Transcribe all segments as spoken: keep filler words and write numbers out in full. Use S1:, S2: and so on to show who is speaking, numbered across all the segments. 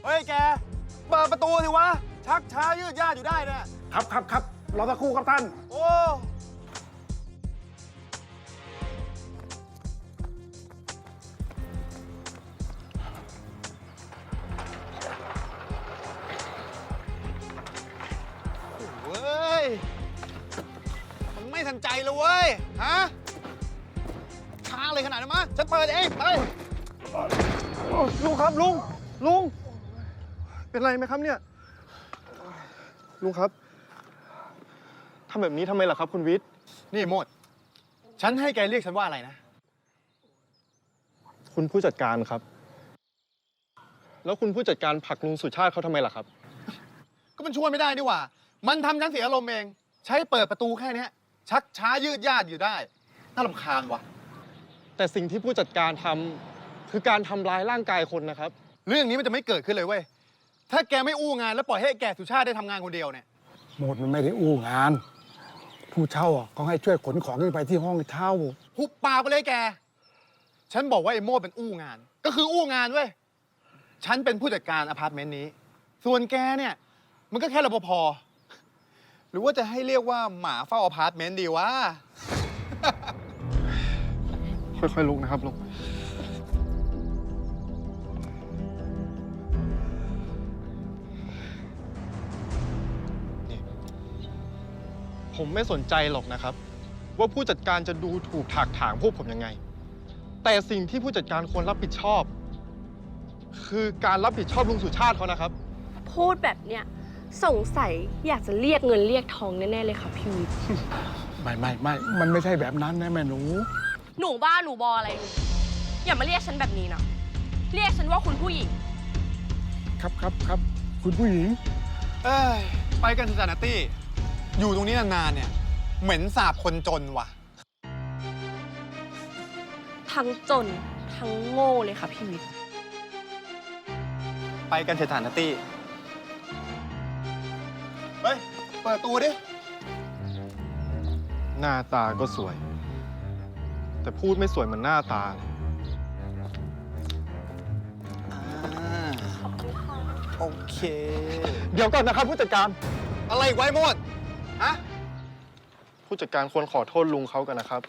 S1: ฮ้ยแกเปิดประตูสิวะชักช้ายืดยาดอยู่ได้เนี่ย
S2: ครับครับครับรอสักครู่ครับท่าน
S1: โอ้เว้ยมันไม่ทันใจเลยเว้ยฮะช้าเลยขนาดนั้นมั้ยฉันเปิดเองไป
S2: ลุงครับลุงลุงเป็นไรไหมครับเนี่ยลุงครับทำแบบนี้ทำไมล่ะครับคุณวิทย์
S1: นี่โมดฉันให้แกเรียกฉันว่าอะไรนะ
S2: คุณผู้จัดการครับแล้วคุณผู้จัดการผลักลุงสุชาติเขาทำไมล่ะครับ
S1: ก็มันช่วยไม่ได้นี่หว่ามันทำฉันเสียอารมณ์เองใช้เปิดประตูแค่นี้ชักช้ายืดยาดอยู่ได้น่ารำคาญวะ
S2: แต่สิ่งที่ผู้จัดการทำคือการทำร้ายร่างกายคนนะครับ
S1: เรื่องนี้มันจะไม่เกิดขึ้นเลยเว้ยถ้าแกไม่อู้งานแล้วปล่อยให้แกสุชาติได้ทำงานคนเดียวเนี่ย
S3: หมดมันไม่ได้อู้งานผู้เช่าก็ให้ช่วยขนของขึ้นไปที่ห้องเช่า
S1: หุบปากไปเลยแกฉันบอกว่าไอ้โม่เป็นอู้งานก็คืออู้งานเว้ยฉันเป็นผู้จัดการอพาร์ตเมนต์นี้ส่วนแกเนี่ยมันก็แค่รปภหรือว่าจะให้เรียกว่าหมาเฝ้าอพาร์ตเมนต์ดีวะ
S2: ค่อยๆลุกนะครับลุงผมไม่สนใจหรอกนะครับว่าผู้จัดการจะดูถูกถากถางพวกผมยังไงแต่สิ่งที่ผู้จัดการควรรับผิดชอบคือการรับผิดชอบลุงสุชาติเขานะครับ
S4: พูดแบบเนี้ยสงสัยอยากจะเรียกเงินเรียกทองแน่ๆเลยค่ะพี่วิทย์
S3: ไม่ไม่ไม่มันไม่ใช่แบบนั้นนะแม่หนู
S4: หนูบ้าหนูบออะไรหนูอย่ามาเรียกฉันแบบนี้นะเรียกฉันว่าคุณผู้หญิง
S3: ครับครับครับคุณผู้หญิง
S1: เอ้ยไปกันเถอะจ้ะนัตตี้อยู่ตรงนี้นานๆเนี่ยเหม็นสาบคนจนว่ะ
S4: ทั้งจนทั้งโง่เลยค่ะพี่วิทย์
S1: ไปกันเถอะจ้ะนัตตี้เฮ้ยเปิดตัวดิ
S2: หน้าตาก็สวยแต่พูดไม่สวยเหมือนหน้าตา
S1: โอเค
S2: เดี๋ยวก่อนนะครับผู้จัดการ
S1: อะไรไว้หมดฮะ
S2: ผู้จัดการควรขอโทษลุงเขากันนะครับ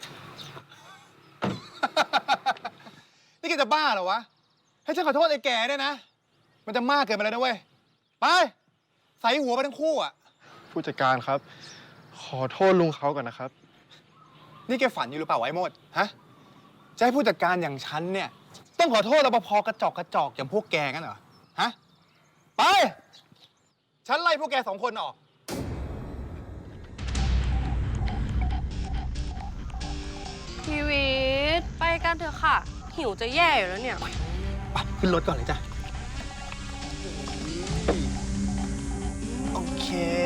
S1: นี่แกจะบ้าเหรอวะให้ฉันขอโทษไอ้แก่เนี่ยนะมันจะมากเกินไปแล้วนะเว้ยไปใส่หัวไปทั้งคู่อ่ะ
S2: ผู้จัดการครับขอโทษลุงเขากันนะครับ
S1: นี่แกฝันอยู่หรือเปล่าไอ้โมดฮะจะให้ผู้จัดการอย่างฉันเนี่ยต้องขอโทษรปภกระจอกกระจอกอย่างพวกแกงั้นเหรอฮะไปฉันไล่พวกแกสองคนออก
S4: พี่วิทย์ไปกันเถอะค่ะหิวจะแย่อยู่แล้วเนี่ย
S1: ไปขึ้นรถก่อนเลยจ้ะโอเค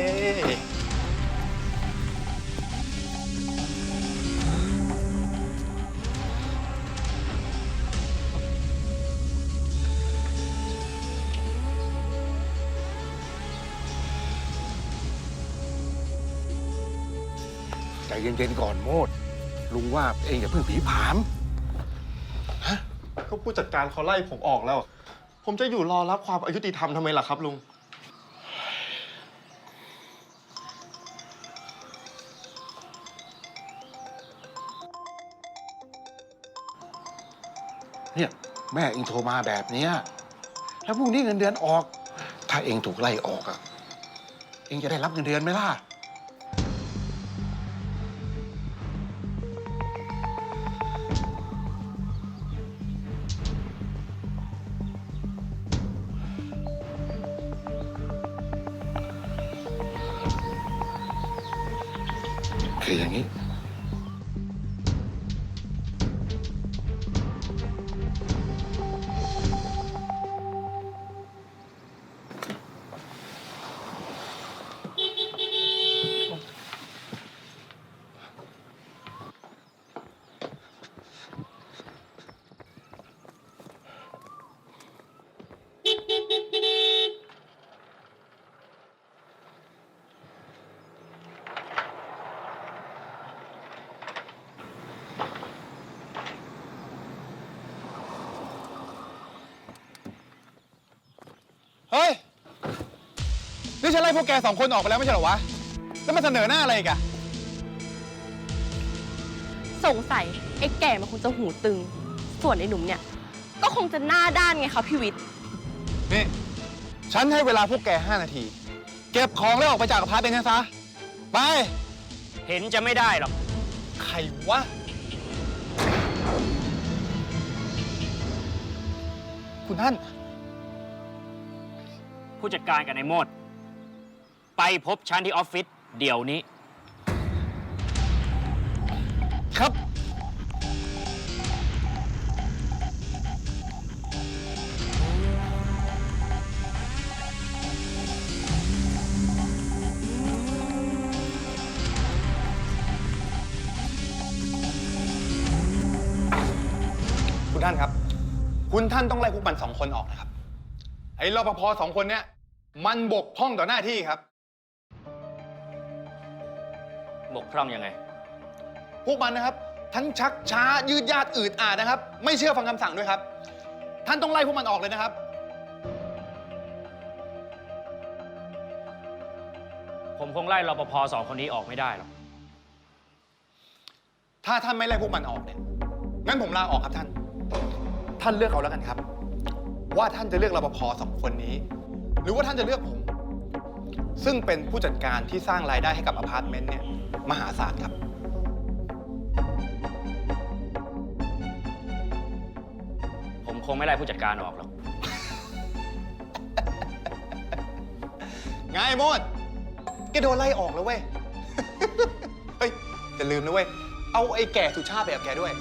S3: ใจเย็นๆก่อนโมดลุงว่าเองอย่าเพิ่งผีผาม
S2: ฮะก็ผู้จัดการเขาไล่ผมออกแล้ว ผมจะอยู่รอรับความอายุติธรรมทำไมล่ะครับลุง
S3: เนี่ยแม่เองโทรมาแบบเนี้ยแล้วพรุ่งนี้เงินเดือนออกถ้าเองถูกไล่ออกอะเองจะได้รับเงินเดือนไหมล่ะคืออย่างนี้
S1: เฮ้ย นี่ฉันไล่พวกแกสองคนออกไปแล้วไม่ใช่เหรอวะ แล้วมาเสนอหน้าอะไรอีกอะ
S4: สงสัยไอ้แก่มันคงจะหูตึง ส่วนไอ้หนุ่มเนี่ย ก็คงจะหน้าด้านไงคะพี่วิทย์
S1: นี่ ฉันให้เวลาพวกแกห้านาที เก็บของแล้วออกไปจากอพาร์ตเมนต์กันซะ ไป
S5: เห็นจะไม่ได้หรอก
S1: ใครวะ คุณท่าน
S5: ผู้จัดการกับนายโมด ไปพบฉันที่ออฟฟิศเดี๋ยวนี้
S1: ครับ คุณท่านครับ คุณท่านต้องไล่พวกมันสองคนออกนะครับ ไอ้รปภสองคนเนี้ยมันบกพร่องต่อหน้าที่ครับ
S5: บกพร่องยังไง
S1: พวกมันนะครับ ทั้งชักช้ายืดยาดอืดอาดนะครับ ไม่เชื่อฟังคำสั่งด้วยครับ ท่านต้องไล่พวกมันออกเลยนะครับ
S5: ผมคงไล่รปภสองคนนี้ออกไม่ได้หรอก
S1: ถ้าท่านไม่ไล่พวกมันออกเนี่ยงั้นผมลาออกครับท่าน ท่านเลือกเอาแล้วกันครับ ว่าท่านจะเลือกรปภสองคนนี้ หรือว่าท่านจะเลือกผม ซึ่งเป็นผู้จัดการที่สร้างรายได้ให้กับอพาร์ตเมนต์เนี่ยมหาศาลครับ
S5: ผมคงไม่ไล่ผู้จัดการออกหรอก
S1: ไงโมดแกโดนไล่ออกแล้วเว้ย เฮ้ยอย่าลืมนะเว้ย เอาไอ้แก่สุชาติไปกับแกด้วย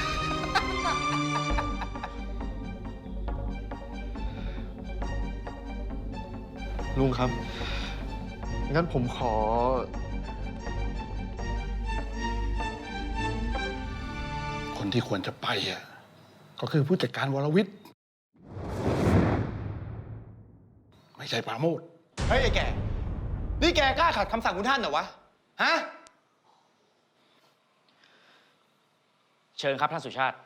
S2: ลุงครับ งั้นผมขอ
S3: คนที่ควรจะไปอ่ะก็คือผู้จัดการวรวิทย์ ไม่ใช่ปราโมทย์
S1: เฮ้ยไอ้แก่ นี่แกกล้าขัดคำสั่งคุณท่านเหรอวะ ฮะ
S5: เชิญครับท่านสุชาติ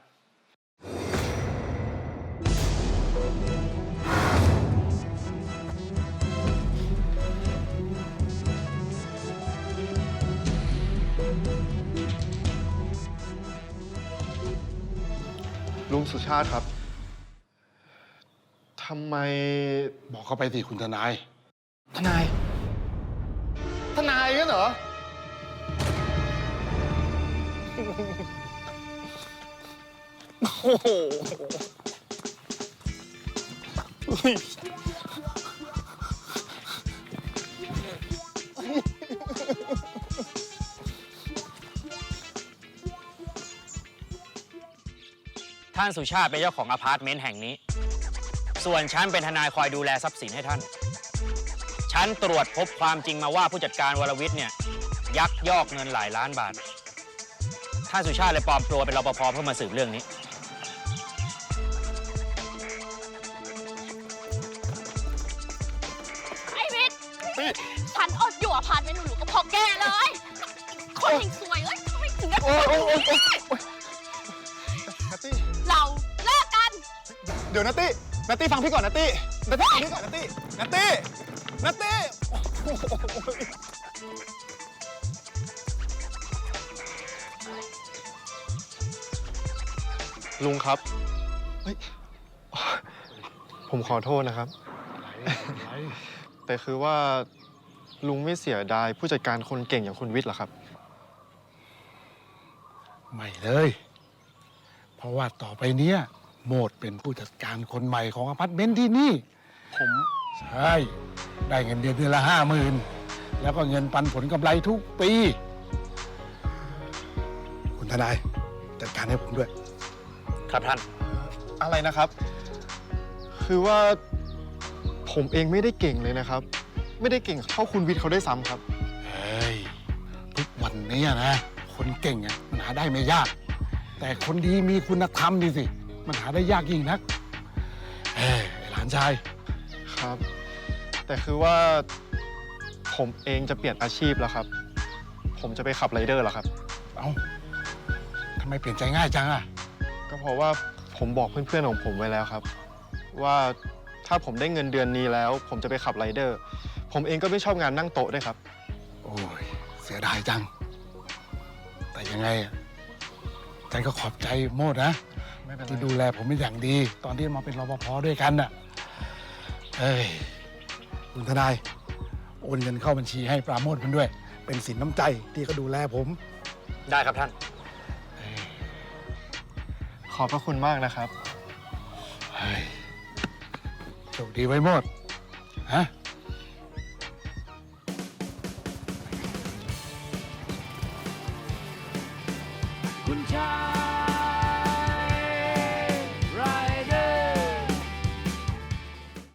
S2: ลุงสุชาติครับ ทำไม
S3: บอกเขาไปสิคุณทนาย
S1: ทนาย ทนายกันเหรอ โอ้โห
S5: ท่านสุชาติเป็นเจ้าของอพาร์ตเมนต์แห่งนี้ ส่วนฉันเป็นทนายคอยดูแลทรัพย์สินให้ท่าน ฉันตรวจพบความจริงมาว่าผู้จัดการวรวิทย์เนี่ยยักยอกเงินหลายล้านบาท ท่านสุชาติเลยปลอมตัวเป็นรปภเพื่อมาสืบเรื่องนี้
S4: ไอ้วิทย์ฉันอดอยู่อพาร์ตเมนต์หรูๆก็เพอแกเลย คนแห่งซวยเอ้ยทำไมถึงได้เป็นแบบนี้
S1: นัตตี้
S4: เราเลิกกัน
S1: เดี๋ยวนัตตี้ นัตตี้ฟังพี่ก่อนนัตตี้ นัตตี้ฟังพี่ก่อนนัตตี้ นัตตี้ นัตตี้โอ้โห
S2: ลุงครับ เฮ้ย ผมขอโทษนะครับ แต่คือว่าลุงไม่เสียดายผู้จัดการคนเก่งอย่างคุณวิทย์เหรอครับ
S3: ไม่เลย เพราะว่าต่อไปเนี้ยโมดเป็นผู้จัดการคนใหม่ของอพาร์ตเมนต์ที่นี่
S2: ผม
S3: ใช่ ได้เงินเดือนเดือนละห้าหมื่นแล้วก็เงินปันผลกำไรทุกปี คุณทนายจัดการให้ผมด้วย
S5: ครับท่าน
S2: อะไรนะครับ คือว่าผมเองไม่ได้เก่งเลยนะครับ ไม่ได้เก่งเท่าคุณวิทย์เขาได้ซ้ำครับ
S3: เฮ้ย ทุกวันนี้นะ คนเก่งอ่ะมันหาได้ไม่ยาก แต่คนดีมีคุณธรรมนี่สิ มันหาได้ยากยิ่งนักเฮ้ยไอ้หลานชาย
S2: ครับ แต่คือว่าผมเองจะเปลี่ยนอาชีพแล้วครับ ผมจะไปขับไรเดอร์แล้วครับ
S3: เอ้าทำไมเปลี่ยนใจง่ายจังอ่ะ
S2: ก็เพราะว่าผมบอกเพื่อนๆของผมไว้แล้วครับ ว่าถ้าผมได้เงินเดือนนี้แล้ว ผมจะไปขับไรเดอร์ ผมเองก็ไม่ชอบงานนั่งโต๊ะด้วยครับ
S3: โอ้ยเสียดายจัง แต่ยังไงอะฉันก็ขอบใจโมดนะ
S2: ไม่เป็นไร
S3: ที่ดูแลผมเป็นอย่างดี ตอนที่มาเป็นรปภด้วยกันน่ะเอ้ยคุณทนาย โอนเงินเข้าบัญชีให้ปราโมทมันด้วย เป็นสินน้ำใจที่เขาดูแลผม
S5: ได้ครับท่าน
S2: ขอบพระคุณมากนะครับ
S3: เฮ้ยโชคดีไว้โมดฮะ